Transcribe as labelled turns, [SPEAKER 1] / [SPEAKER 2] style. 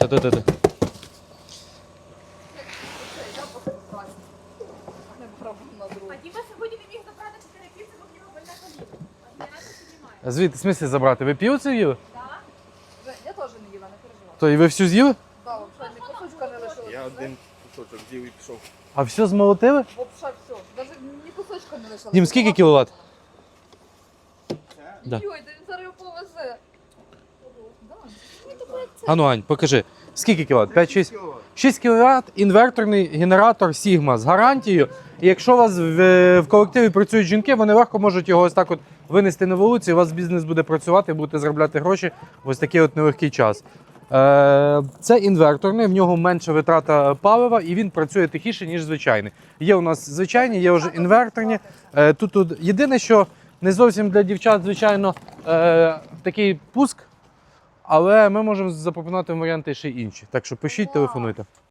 [SPEAKER 1] Та.
[SPEAKER 2] А Діма сьогодні не міг забрати 4 піци, бо в нього больна коліна. А я не піднімаю.
[SPEAKER 1] А звідти, в смислі забрати? Ви півцю їли?
[SPEAKER 2] Так?
[SPEAKER 3] Я теж не їла, не переживай.
[SPEAKER 1] То і ви всю з'їли?
[SPEAKER 3] Да, взагалі, ні кусочка не лишилося.
[SPEAKER 4] Я один кусочок з'їв і пішов.
[SPEAKER 1] А все змолотили?
[SPEAKER 3] Взагалі все. Навіть ні кусочка не лишилося.
[SPEAKER 1] Дім, скільки кіловат? Да.
[SPEAKER 3] Йой, да він зараз його повезе. Да. Ні, то як це?
[SPEAKER 1] Ану, Ань, покажи. Скільки кіловат? 5-6? 6 кВт, інверторний генератор Sigma з гарантією. І якщо у вас в колективі працюють жінки, вони легко можуть його ось так от винести на вулицю, і у вас бізнес буде працювати, будете заробляти гроші в ось такий от нелегкий час. Це інверторний, в нього менша витрата палива і він працює тихіше, ніж звичайний. Є у нас звичайні, є вже інверторні. Тут єдине, що не зовсім для дівчат, звичайно, такий пуск, але ми можемо запропонувати варіанти ще й інші. Так що пишіть, телефонуйте.